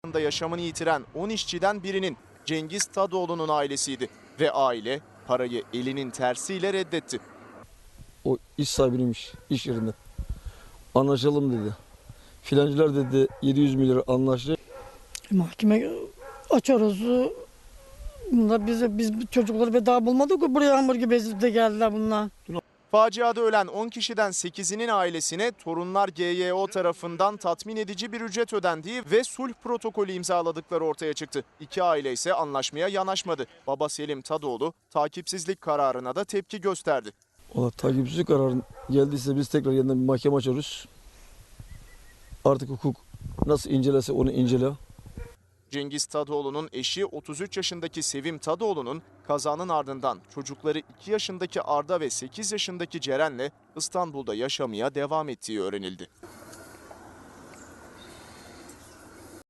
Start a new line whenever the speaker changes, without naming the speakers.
yaşamını yitiren 10 işçiden birinin Cengiz Tadoğlu'nun ailesiydi ve aile parayı elinin tersiyle reddetti.
O iş sahibiymiş iş yerinde. Anlaşalım dedi. Filancılar dedi 700 milyar anlaştı.
Mahkeme açarız. Bunlar biz çocukları bedava bulmadık ki buraya hamur gibi ezip de geldiler bunlar.
Faciada ölen 10 kişiden 8'inin ailesine torunlar GYO tarafından tatmin edici bir ücret ödendiği ve sulh protokolü imzaladıkları ortaya çıktı. İki aile ise anlaşmaya yanaşmadı. Baba Selim Tadoğlu takipsizlik kararına da tepki gösterdi.
Ona takipsizlik kararı geldiyse biz tekrar yeniden bir mahkeme açarız. Artık hukuk nasıl incelerse onu incele.
Cengiz Tadoğlu'nun eşi 33 yaşındaki Sevim Tadoğlu'nun kazanın ardından çocukları 2 yaşındaki Arda ve 8 yaşındaki Ceren'le İstanbul'da yaşamaya devam ettiği öğrenildi.